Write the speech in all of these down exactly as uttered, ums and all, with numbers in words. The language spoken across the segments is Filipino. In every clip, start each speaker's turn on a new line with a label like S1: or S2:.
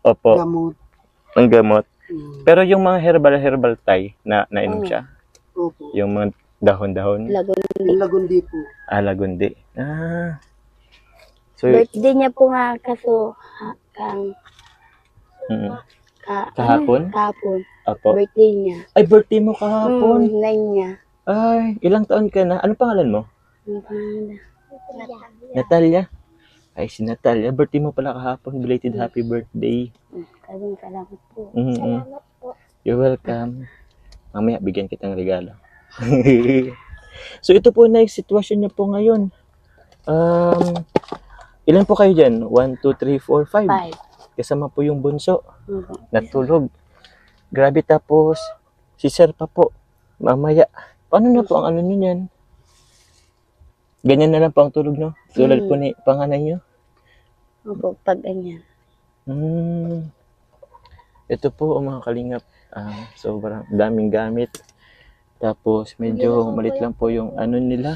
S1: Opo,
S2: gamot.
S1: ang gamot.
S2: Mm.
S1: Pero yung mga herbal-herbal tay, na nainom
S3: Oo.
S1: siya?
S2: Opo.
S1: Yung mga dahon-dahon?
S3: Lagundi.
S2: Yung lagundi po.
S1: Ah, lagundi. Ah. So,
S3: Birthday niya po nga kaso ha, kang
S1: mm,
S3: ka,
S1: Kahapon?
S3: ano, kahapon.
S1: opo.
S3: Birthday niya.
S1: Ay, birthday mo kahapon.
S3: Mm, nine niya.
S1: Ay, ilang taon ka na? Ano pangalan mo?
S3: Ang pangalan.
S1: Natalia. Ay, si Natalia. Birthday mo pala kahapon. Belated happy birthday.
S3: Mm, Maraming salamat po.
S1: Mm-mm.
S3: Salamat po.
S1: You're welcome. Mamaya, bigyan kitang regalo. So, ito po na yung sitwasyon niyo po ngayon. Um, ilan po kayo dyan? one, two, three, four, five.
S3: Five.
S1: Kasama po yung bunso.
S3: Mhm.
S1: Natulog. Grabe, tapos si sir pa po. Mamaya. Paano na po ang ano nyo yan? Ganyan na lang po ang tulog, no? Tulad
S3: Mm.
S1: po ni panganay nyo.
S3: Opo, pag ganyan.
S1: Hmm. Ito po ang mga kalingap. Ah, sobrang daming gamit. Tapos medyo malit lang po yung ano nila.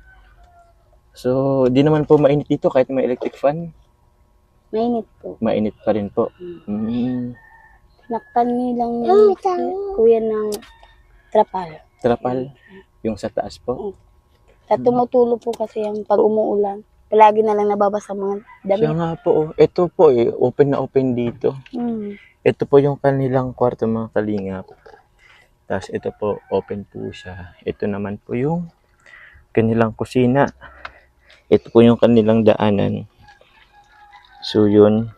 S1: So, di naman po mainit dito kahit may electric fan.
S3: Mainit po.
S1: Mainit pa rin po. Hmm.
S3: Nakpan nilang yung kuya ng trapal.
S1: Trapal. Yung sa taas po.
S3: At tumutulo po kasi yung pag umuulan. Palagi na lang nababasa mga
S1: Siya
S3: damit.
S1: nga po. Oh. Ito po eh. Open na open dito.
S3: Mm.
S1: Ito po yung kanilang kwarto mga kalingap. Tapos ito po, open po siya. Ito naman po yung kanilang kusina. Ito po yung kanilang daanan. So yun.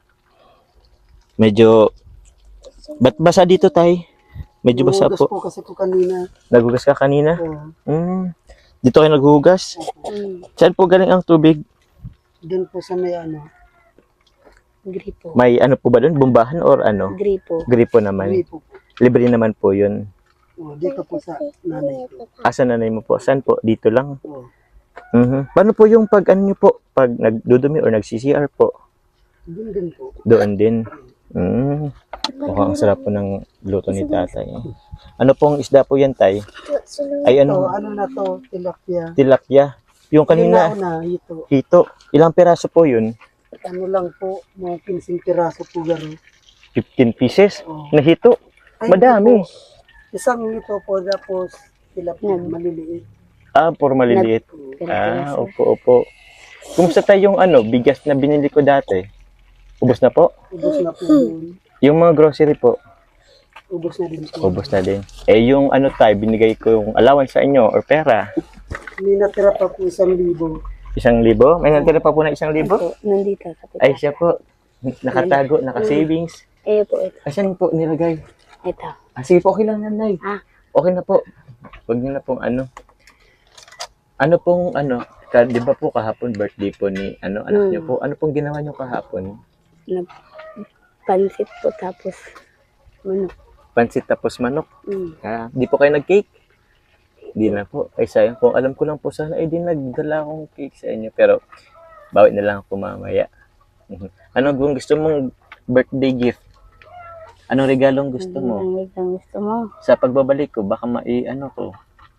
S1: Medyo, ba't basa dito tay? Medyo basa
S2: Nagugas
S1: po.
S2: po kasi po kanina.
S1: Nagugas ka kanina?
S2: Oh,
S1: Hmm. Dito kayo naghugas?
S3: Mm.
S1: Saan po galing ang tubig?
S2: doon po sa may ano.
S3: Gripo.
S1: May ano po ba doon? Bumbahan or ano?
S3: Gripo.
S1: Gripo naman.
S2: Hindi po.
S1: Libre naman po yun.
S2: Oh, dito po sa nanay ko.
S1: Asa nanay mo po? Saan po? Dito lang?
S2: Oh,
S1: Mhm. Paano po yung pag ano nyo po? Pag nagdudumi or nag-C C R po?
S2: doon din po.
S1: Doon din. Mm. Mukhang sarap po ng luto ni tatay. Ano pong isda po yan, tay? Ay,
S2: Ito,
S1: ano?
S2: ano na to, tilapia.
S1: Tilapia. Yung kanina,
S2: Kanina, una, ito.
S1: hito. Ilang piraso po yun?
S2: Ano lang po, mga fifteen piraso po garo.
S1: fifteen pieces?
S2: Oh.
S1: Na hito?
S2: Ay,
S1: Madami.
S2: ito po. Isang ito po, tapos tilapia,
S3: Nag-
S2: maliliit.
S1: Ah, puro maliliit.
S3: Pero
S1: Ah,
S3: piraso.
S1: opo, opo. Kumusta tayo yung ano, bigas na binili ko dati? Ubos na po?
S2: Ubus na po yun.
S1: Yung mga grocery po,
S2: Ubus na din po.
S1: ubos na din. Eh, yung ano tayo, binigay ko yung allowance sa inyo or pera.
S2: May natira pa po isang libo.
S1: Isang libo? May natira pa po na isang libo?
S3: Ito, nandito sa
S1: Ay,
S3: pita.
S1: siya po. Nakatago, naka-savings.
S3: Eh po, ito.
S1: Asan po nilagay?
S3: Ito.
S1: Ah, sige po, okay lang yan, Nay.
S3: Ah.
S1: Okay na po. Huwag niyo na pong ano. Ano pong ano, ka, di ba po kahapon birthday po ni ano, anak
S3: Hmm.
S1: niyo po? Ano pong ginawa niyo kahapon?
S3: Na, pansit po tapos manok.
S1: Pansit tapos manok.
S3: Mm.
S1: Ah, di po kayo nag-cake? Di na po. Ay, sayang po. Alam ko lang po sana, eh, di nagdala akong cake sa inyo. Pero, bawi na lang ako mamaya. Mhm. Ano kung gusto mong birthday gift? Anong regalong gusto mo?
S3: Ang ang gusto mo.
S1: Sa pagbabalik ko, baka mai, ano ko?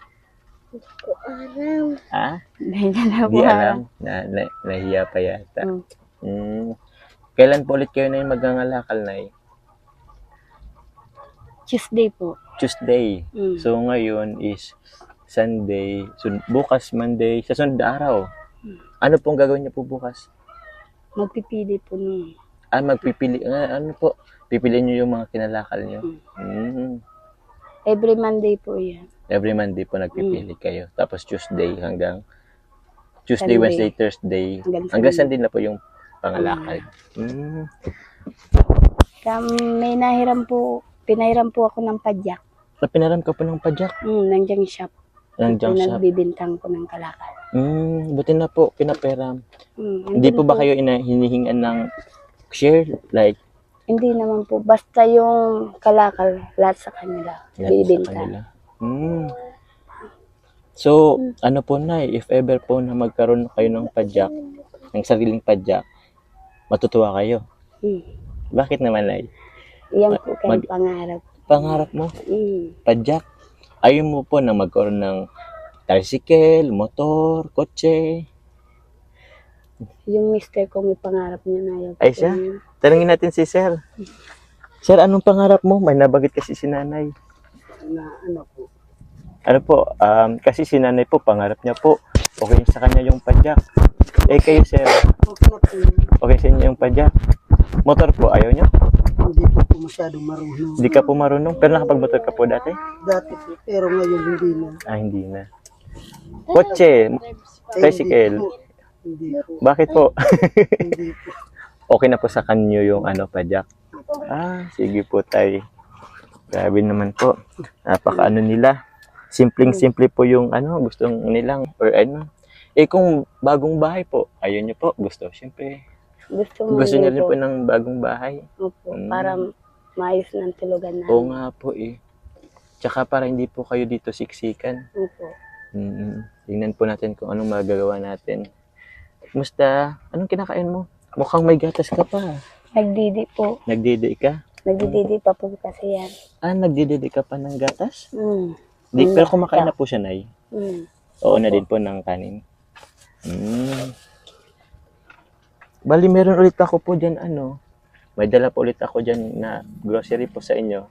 S3: Alam.
S1: Ha?
S3: Dahil na
S1: Di
S3: po.
S1: alam. Na, na, nahiya pa yata.
S3: Mm.
S1: Hmm. Kailan po ulit kayo na yung magangalakal na eh?
S3: Tuesday po.
S1: Tuesday.
S3: Mm.
S1: So, ngayon is Sunday. So, bukas Monday. Sa sunod na araw. Ano pong gagawin niyo po bukas?
S3: Magpipili po nun.
S1: Ah, magpipili. Ah, ano po? Pipiliin niyo yung mga kinalakal niyo. Hmm.
S3: Every Monday po yan.
S1: Every Monday po nagpipili kayo. Tapos Tuesday hanggang Tuesday,
S3: Sunday.
S1: Wednesday, Thursday.
S3: Hanggang
S1: Hanggang
S3: Sunday.
S1: Sunday na po yung pangalakal. Hmm.
S3: Kaya may nahiram po, pinahiram po ako ng padyak.
S1: So, pinaram ka po ng padyak.
S3: Mm, ng junk shop.
S1: Ng junk shop.
S3: Nagbibintang ko ng kalakal.
S1: Hmm. Buti na po, pinaperam.
S3: Mm,
S1: Hindi
S3: andun
S1: po ba kayo ina hinihingan ng share? Like,
S3: Hindi naman po. Basta yung kalakal, lahat sa kanila.
S1: yan sa
S3: Bibinta.
S1: kanila. Hmm. So, ano po na, if ever po na magkaroon kayo ng padyak, ng sariling padyak, matutuwa kayo.
S3: Mm.
S1: Bakit naman, Nay?
S3: Yan po kayo
S1: Mag-
S3: pangarap.
S1: Pangarap mo,
S3: Mm.
S1: padyak. Ayaw mo po na magkaroon ng tricycle, motor, kotse.
S3: Yung mister ko may pangarap niya na yun.
S1: Ay, siya? Tanungin natin si Sir. Sir, anong pangarap mo? May nabagit kasi si nanay.
S2: Na ano po.
S1: Ano po, um, kasi si nanay po, pangarap niya po, okay sa kanya yung padyak. Eh kayo, Sir,
S2: Okay na po.
S1: okay sa inyo yung padyak. Motor po, ayaw niyo?
S2: Hindi po po masyadong marunong.
S1: Hindi ka po marunong, pero nakapag-motor ka po dati?
S2: Dati po, pero ngayon hindi na.
S1: Ah, hindi na. Kotse,
S2: Ay,
S1: tricycle.
S2: Hindi po. Hindi po.
S1: Bakit po?
S2: Hindi po.
S1: Okay na po sa kanyo yung ano, padyak. Ah, sige po, tay. Grabe naman po. Napaka ano nila. Simpleng-simple po yung ano, gustong nilang, or ano. Eh kung bagong bahay po, ayun nyo po, gusto. Siyempre,
S3: Gusto mo
S1: gusto niyo rin
S3: dito.
S1: po ng bagong bahay.
S3: Opo,
S1: Mm.
S3: para maayos ng tulugan namin.
S1: Oo nga po eh. Tsaka para hindi po kayo dito siksikan.
S3: Opo.
S1: Mm, tingnan po natin kung anong magagawa natin. Musta? Anong kinakain mo? Mukhang may gatas ka pa.
S3: Nagdidi po.
S1: Nagdidi ka?
S3: Nagdididi pa po kasi yan.
S1: Ah, nagdididi ka pa ng gatas?
S3: Mm.
S1: Di,
S3: Mm.
S1: pero kumakain na po siya, Nay.
S3: Mm.
S1: Oo na din po ng kanin. Mm. Bali, meron ulit ako po dyan, ano. May dala po ulit ako dyan na grocery po sa inyo.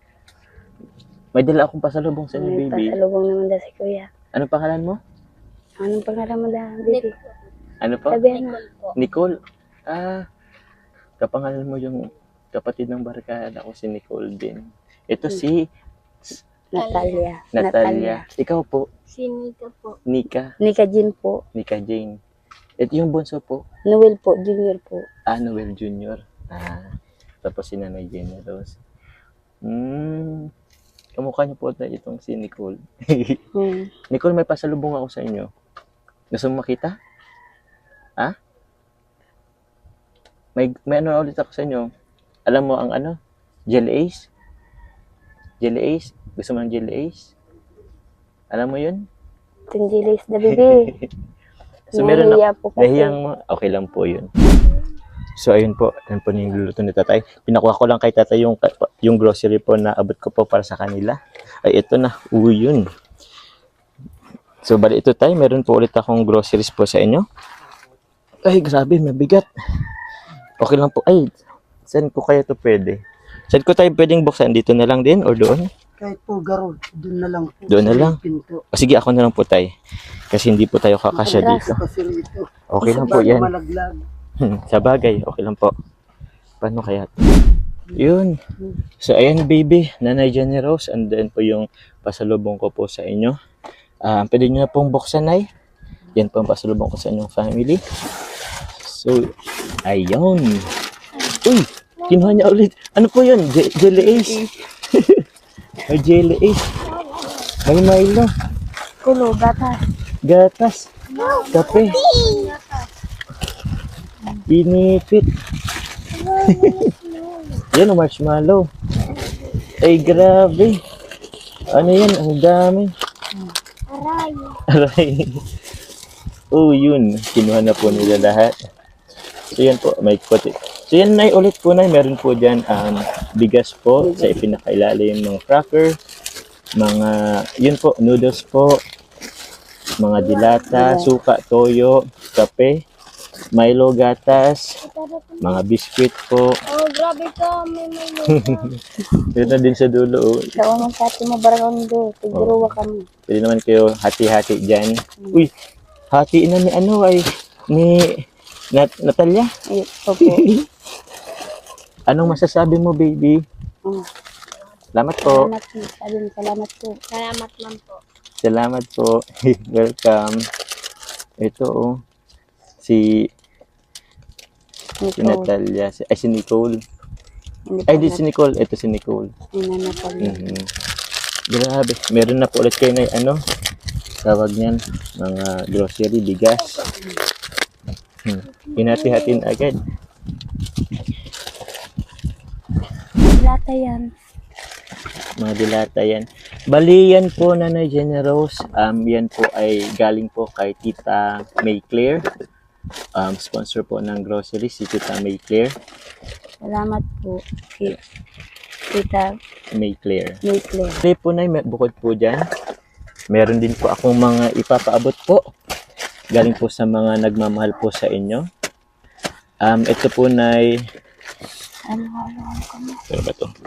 S1: May dala akong pasalubong sa inyo,
S3: May
S1: baby.
S3: pasalubong naman daw si Kuya.
S1: Ano pangalan mo?
S3: Anong pangalan mo daw, baby?
S1: Ano po?
S3: Sabihan mo.
S1: Nicole. Ah, kapangalan mo yung kapatid ng barkada ko, si Nicole din. Ito si
S3: Natalia.
S1: Natalia. Ikaw po,
S3: Si Nika po.
S1: Nika.
S3: Nika Jean po.
S1: Nika Jane. Ito yung bunso po,
S3: Noel po, Junior po.
S1: ah, Noel Junior Ah, tapos si Nanay Jenny Rose. Hmm, kamukha niyo po na itong si Nicole.
S3: Hmm.
S1: Nicole, may pasalubong ako sa inyo. Gusto mo makita? Ha? May, may ano ulit ako sa inyo. Alam mo ang ano? Jelly Ace? Jelly Ace? Gusto mo ng Jelly Ace? Alam mo yun?
S3: Tingilis the baby.
S1: So, meron
S3: Nahihiya po kasi.
S1: Nahiyang mo? Okay lang po yun. So, ayun po. Yan po yung luluto ni tatay. Pinakuha ko lang kay tatay yung, yung grocery po na abot ko po para sa kanila. Ay, ito na. Uy, yun. So, bali ito tayo. Meron po ulit akong groceries po sa inyo. Ay, grabe. Mabigat. Okay lang po. Ay, saan ko kaya to pwede? Saan ko tayo pwedeng buksan? Dito na lang din or doon?
S2: Kahit po garo, doon na lang po.
S1: Doon na
S2: sa
S1: lang?
S2: Pinto.
S1: O, sige, ako na lang po tayo. Kasi hindi po tayo kakasya
S3: Atras.
S1: dito.
S2: Kasi rito.
S1: Okay lang po
S2: Bago
S1: yan.
S2: malaglag.
S1: Hmm, sa bagay, okay lang po. Paano kaya? Yun. So, ayan, baby. Nanay Jenny Rose. And then po yung pasalubong ko po sa inyo. Ah, pwede nyo na pong buksan, Nay. Yan po ang pasalubong ko sa inyong family. So, ayun. Uy, kinuha niya ulit. Ano po yun? Je- Jelly Ace. May Jelly Ace. May Milo.
S3: Kulo, gatas.
S1: Gatas. Kape. Binipit. Yan, marshmallow. Ay, grabe. Ano yan? Ang dami.
S3: Aray.
S1: Aray. Oh, yun. Kinuha na po nila lahat. So, yan po. May kote. So, yan na ulit po na. Meron po dyan um, bigas po sa ipinakailalim ng cracker. Mga, yun po, noodles po. Mga dilata, suka, toyo, kape, Milo, gatas, mga biscuit po.
S3: Oh, grabe ka. May may
S1: Yun na din sa dulo. Oh.
S3: Ikaw ang kati mo barang do. Tiguruwa kami.
S1: Pwede naman kayo hati-hati dyan. Uy, hati na ni ano ay, ni Nat Natalia.
S3: Ay, opo.
S1: Anong masasabi mo, baby?
S3: Oh,
S1: Salamat po.
S3: salamat po. Sabi mo, salamat po. Salamat lang po.
S1: Salamat po. Welcome. Ito, oh. Si, si
S3: Nicole.
S1: Natalia. Si, ay, si Nicole.
S3: Hindi
S1: Ay,
S3: pa
S1: di si Nicole. Ito si Nicole.
S3: na Natalia.
S1: Mhm. Grabe. Meron na po ulit kayo na ano, tawag niyan, mga grocery, bigas. Hmm. Hinati-hatin agad.
S3: Lata yan.
S1: Mga dilata yan. Bali yan po, Nanay Jenny Rose. Um, yan po ay galing po kay Tita May Claire. Um, sponsor po ng grocery, si Tita May Claire.
S3: Salamat po. Si Tita
S1: May Claire.
S3: Nicole.
S1: Kasi po, Nay, may- bukod po dyan, meron din po akong mga ipapaabot po galing po sa mga nagmamahal po sa inyo. Um, ito po Nay,
S3: Ano, ano, ano ka mo?
S1: ano ba to?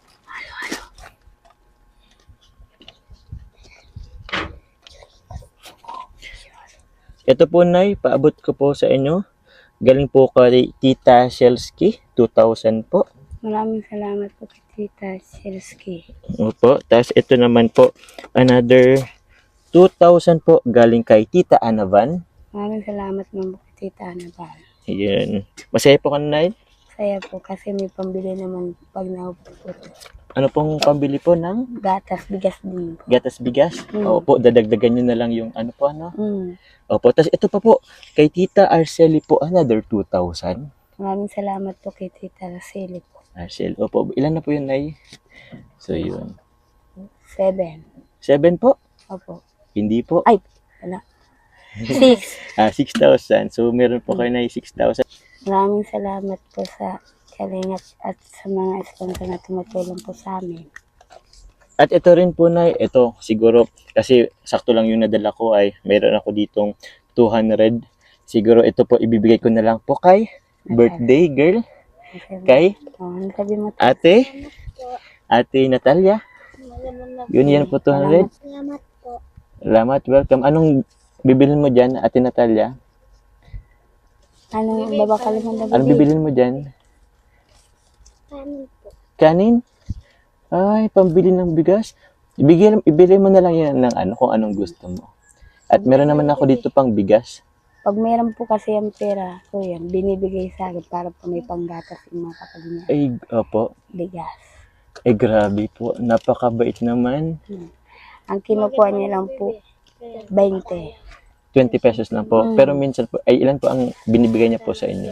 S1: Ito po Nay, paabot ko po sa inyo. Galing po kay Tita Shelski, two thousand po.
S3: Maraming salamat po kay Tita Shelski.
S1: Opo, tapos ito naman po, another two thousand po galing kay Tita Anavan.
S3: Maraming salamat naman po kay Tita Anabal.
S1: Yun. Masaya po ka na, Nay?
S3: Saya po kasi may pambili naman pag naupo po.
S1: Ano pong pambili po ng
S3: Gatas, bigas din po.
S1: gatas bigas?
S3: Mm.
S1: Opo, dadagdagan nyo na lang yung ano po, ano?
S3: Mm.
S1: Opo, tapos ito pa po, kay Tita Arceli po, another two thousand.
S3: Maraming salamat po kay Tita Roseli po.
S1: Arcel, opo, ilan na po yun, Nay? So, yun.
S3: Seven.
S1: Seven po?
S3: Opo.
S1: Hindi po.
S3: Ay, wala. Six.
S1: Ah, six thousand. So, meron po kayo na six thousand.
S3: Maraming salamat po sa kalingat at sa mga sponsor na tumutulong po sa amin.
S1: At ito rin po, Nay, ito siguro, kasi sakto lang yung nadala ko ay meron ako ditong two hundred. Siguro ito po ibibigay ko na lang po kay birthday girl, kay
S3: Oh, ano sabi mo?
S1: ate, ate Natalia. Yun yan po, two hundred.
S3: Salamat po.
S1: Salamat, welcome. Anong bibilin mo dyan, ate Natalia?
S3: Anong babakal mo na
S1: Anong bibilin mo dyan?
S3: Kanin po.
S1: Kanin? Ay, pambili ng bigas. Ibigay, ibili mo na lang yan ng ano, kung anong gusto mo. At meron naman ako dito pang bigas.
S3: Pag meron po kasi ang pera, ko yan, binibigay sa akin para po may panggatas yung mga kapag niya.
S1: Ay, opo.
S3: Bigas.
S1: Eh, grabe po. Napakabait naman.
S3: Ang kinukuha niya lang po, twenty.
S1: twenty pesos lang po.
S3: Mm.
S1: Pero minsan po, ay ilan po ang binibigay niya po sa inyo?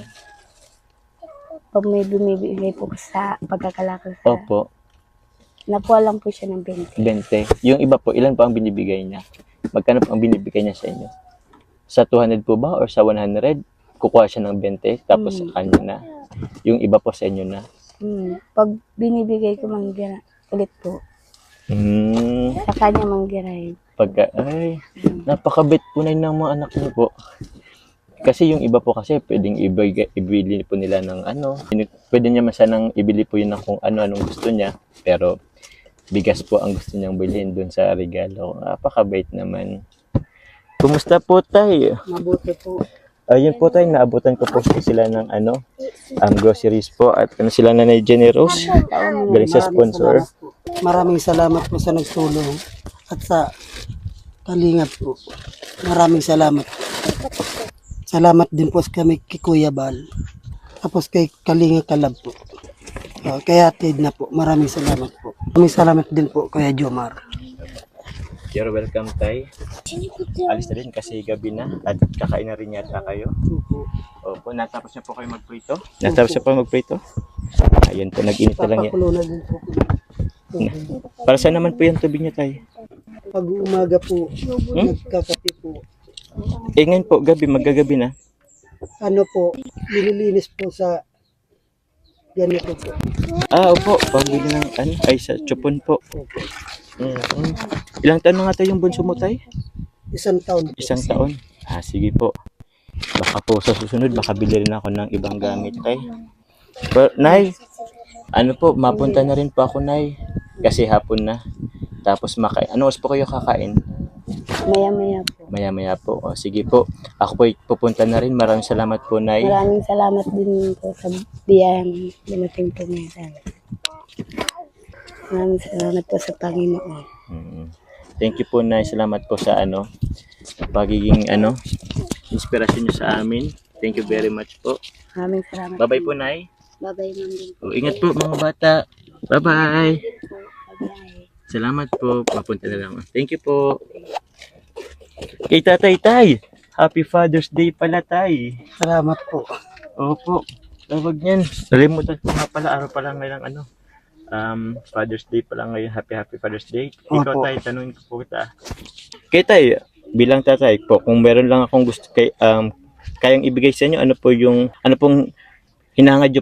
S3: Pag may bumibigay po sa pagkakalakal sa...
S1: Opo,
S3: Nakuha lang po siya ng twenty.
S1: twenty. Yung iba po, ilan po ang binibigay niya? Magkano po ang binibigay niya sa inyo? Sa two hundred po ba or sa one hundred? Kukuha siya ng twenty, tapos sa
S3: Mm.
S1: kanya na. Yung iba po sa inyo na.
S3: Hmm. Pag binibigay ko manggira, ulit po.
S1: Hmm,
S3: Sa kanya manggiray.
S1: pagka, ay, napakabait po na yun ng mga anak niyo po. Kasi yung iba po kasi pwedeng ibigay, ibili po nila ng ano. Pwede niya masanang ibili po yun ng kung ano-anong gusto niya. Pero bigas po ang gusto niyang bilhin dun sa regalo. Napakabait naman. Kumusta po tayo?
S2: Mabuti po.
S1: Ayun po tayo, naabutan ko po sila ng ano, um, groceries po at ano sila na generous. Galing sa sponsor.
S2: salamat po. Maraming salamat po sa nagtulong at sa kalingap po. Maraming salamat. Salamat din po kami kay Kuya Bal. Tapos kay Kalinga Kalab po. Uh, kay Atid na po. Maraming salamat po. Maraming salamat din po Kuya Jomar.
S1: You're welcome, Tay. Alis na rin kasi gabi na at kakain na rin yata kayo. Opo, natapos na po kayo magprito? Natapos na po magprito? Ayun po, nag-init na lang yan.
S2: Papakulo na din po.
S1: Para saan naman po yung tubig niya, Tay?
S2: Pag umaga po, nagkakape po.
S1: Eh ngayon po, gabi, maggagabi na.
S2: Ano po, nililinis po sa ganito po.
S1: Ah, opo, pambili ng ano, ay sa chupon po.
S2: Opo.
S1: Mm. Ilang taon na nga tayo yung bunso mo, Tay?
S2: Isang taon po.
S1: Isang taon. Ah, sige po. Baka po sa susunod, baka bili rin ako ng ibang gamit, Tay. Pero, Nay, ano po, mapunta na rin po ako, Nay. Kasi hapon na. Tapos makain. Ano oras po kayo kakain?
S3: Maya-maya po.
S1: Maya-maya po. O, sige po. Ako po pupunta na rin. Maraming salamat po, Nay.
S3: Maraming salamat din po sa biyayang dumating po ngayon. Maraming salamat po sa Panginoon.
S1: Mm. Thank you po, Nay. Salamat po sa ano, pagiging ano, inspirasyon niyo sa amin. Thank you very much po.
S3: Maraming salamat.
S1: Bye-bye po, Nay.
S3: Bye-bye, ma'am din po.
S1: O, ingat po, mga bata. Bye-bye.
S3: Bye-bye.
S1: Salamat po. Mapunta na lang. Thank you po. Kay Tatay Tay. Happy Father's Day pala, Tay.
S2: Salamat po.
S1: Opo. Tawag niyan. Nalimutan ko nga pala. Araw pa lang ngayon ano. Um, Father's Day pala ngayon. Happy Happy Father's Day. Ikaw,
S2: Opo.
S1: Tay, tanungin ko po kita. Kay Tay, bilang tatay po, kung meron lang akong gusto kay, um, kayang ibigay sa inyo, ano po yung, ano pong hinahangad nyo